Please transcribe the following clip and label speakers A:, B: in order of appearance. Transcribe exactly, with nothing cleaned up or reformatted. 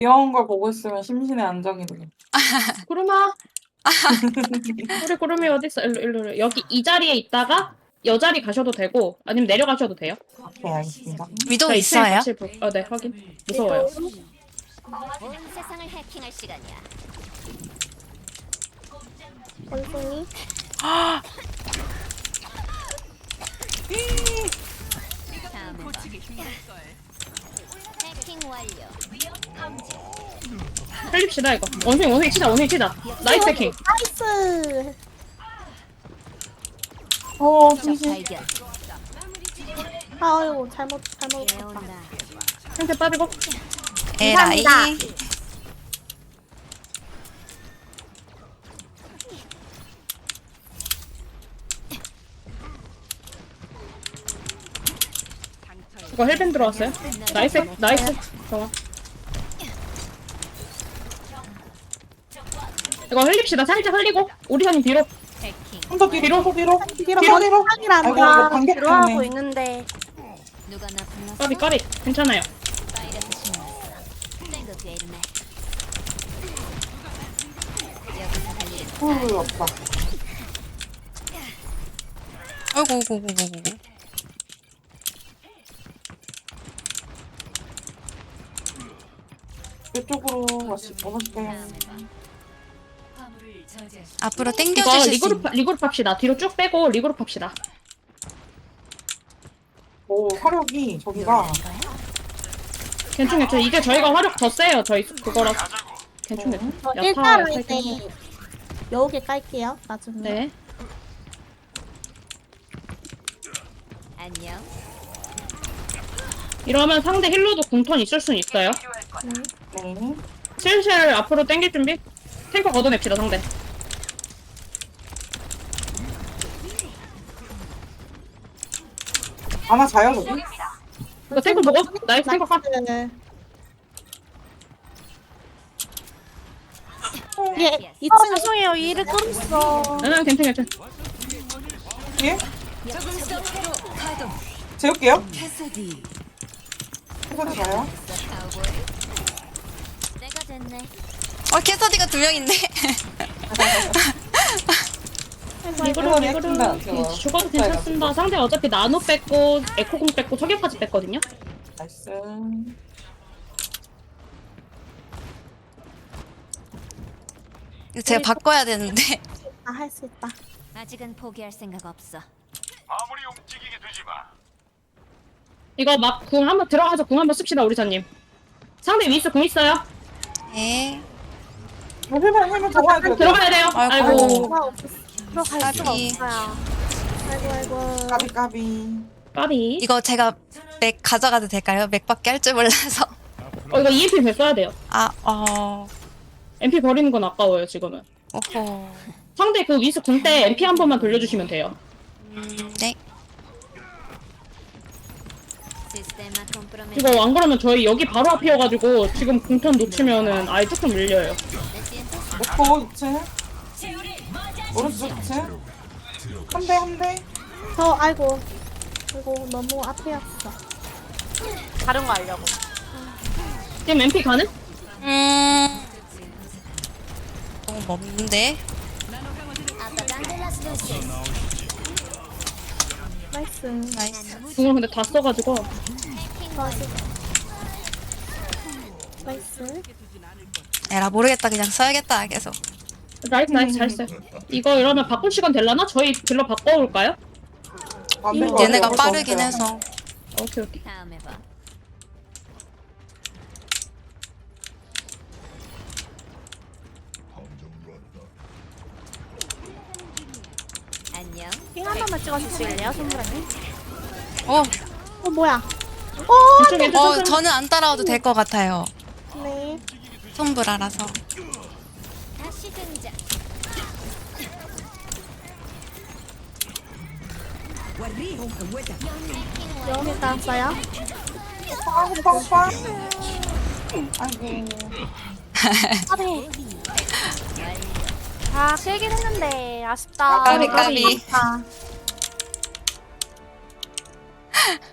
A: 귀여운 걸 보고 있으면 심신의 안정이 되겠다.
B: 구름아. 우리 구름이 어딨어? 일로 일로 일로. 여기 이 자리에 있다가 여 자리 가셔도 되고 아니면 내려가셔도 돼요.
A: 네, 알겠습니다.
C: 위도
B: 자, 이 층에
C: 있어요?
B: 같이 볼. 어, 네, 확인. 무서워요.
D: 온 세상을 해킹할 시간이야.
E: 원숭이.
D: 다음에 봐. 해킹 완료.
B: 살립시다 이거. 원숭이 원숭이 치자 원숭이 치자. 나이스 해킹.
E: 나이스.
A: 어,
D: 적
A: 심신.
D: 발견.
E: 아유 잘못 잘못 봤다.
D: 예온다.
B: 상태 빠지고.
C: 에라이.
E: 감사합니다.
B: 이거 헬벤 들어왔어요. 나이스 나이스. 좋아. 이거 흘립시다. 살짝 흘리고 오리사님 뒤로.
D: 해킹.
A: 좀 더 뒤로, 더 뒤로,
E: 뒤로
A: 뒤로, 뒤로.
E: 방이란다.
A: 아이고, 이거 반격
E: 들어가고
A: 때문에.
E: 있는데.
D: 누가 나 불렀어?
B: 까비 까비. 괜찮아요.
D: 파이러스 신났어. 땡거 게임네. 여기서 할 일은
A: 후, 없다.
C: 어이구, 어이구, 어이구, 어이구.
A: 이쪽으로 와시, 와볼게요.
D: 다음에 봐.
C: 앞으로
B: 이거
C: 당겨주실 수
B: 리그룹
C: 있는.
B: 리그룹 합시다. 뒤로 쭉 빼고 리그룹 합시다.
A: 오, 화력이 저기가.
B: 괜찮 괜찮. 이게 저희가 화력 더 세요. 저희 그거라. 괜찮 괜찮.
E: 저
B: 야타
E: 일단은
B: 야타.
E: 이제 여우개 깔게요. 나중에.
B: 네.
D: 안녕.
B: 이러면 상대 힐러도 궁턴 있을 순 있어요.
A: 네.
B: 슬슬 앞으로 당길 준비. 탱커 걷어냅시다 상대.
A: 하나 자요, 저기?
B: 이거 탱커 보고. 나이스 탱커 가.
E: 네. 예, 이 층 죄송해요. 일을 끊었어.
B: 응 괜찮 괜찮.
A: 뒤에? 재울게요. 캐서디 자요.
D: 카우보이. 내가 됐네.
C: 어, 캐서디가 두 명인데?
B: 리그룹
A: 이거는 했습니다,
B: 리그룹.
A: 제가.
B: 죽어도 괜찮습니다. 상대 어차피 나노 뺐고 에코공 뺐고 석유까지 뺐거든요.
A: 나이스.
C: 이거 제가 바꿔야 되는데.
E: 아, 할 수 있다.
D: 아직은 포기할 생각 없어.
F: 아무리 움직이게 되지 마.
B: 이거 막 궁 한번 들어가서 궁 한번 씁시다 우리사님. 상대 위스 궁 있어요.
C: 네.
A: 헬멧, 헬멧 잡아야 돼요.
B: 들어가야 돼요.
C: 아이고.
B: 아이고.
E: 들어가 없었어. 들어갈 수가
C: 까비.
E: 없어요. 아이고 아이고.
A: 까비, 까비.
B: 까비.
C: 이거 제가 맥 가져가도 될까요? 맥밖에 할 줄 몰라서.
B: 어 이거 이엠피 배 써야 돼요.
C: 아, 어.
B: 엠피 버리는 건 아까워요 지금은.
C: 오호.
B: 상대 그 위스 궁 때 엠피 한 번만 돌려주시면 돼요.
C: 음, 네.
D: 시스테마 컴프로메.
B: 이거 안 그러면 저희 여기 바로 앞이어가지고 지금 궁턴 놓치면은 아예 조금 밀려요.
A: 에코 이 층. 오른쪽 이 층. 한 대, 한 대.
E: 저 아이고. 아이고 너무 앞이었어. 다른 거 하려고.
B: 지금 엠피 가능?
C: 음. 너무 먼데?
E: 나이스.
C: 나이스.
B: 궁을 근데 다 써가지고.
E: 나이스. 나이스.
C: 에라, 모르겠다. 그냥 써야겠다. 계속.
B: 나이스 나이스 잘 써요. 이거 이러면 바꿀 시간 될라나? 저희 딜러 바꿔올까요?
A: 안 될 것 같아요.
C: 얘네가
A: 어쩔 수
C: 빠르긴
A: 없어요.
C: 해서.
B: 오케이 오케이.
D: 다음에 봐. 안녕.
E: 핑 하나만 찍어주실래요, 선물님?
C: 어,
E: 어 뭐야? 어,
B: 이쪽에
C: 어,
B: 어,
C: 저는 안 따라와도 될 것 같아요.
E: 네.
C: 손불알아서.
D: 다시 등장.
E: 여기 따왔어요?
A: 빵, 빵, 빵. 아이고.
E: 까비. 아, 세긴 했는데 아쉽다.
C: 까비, 까비.
E: 아,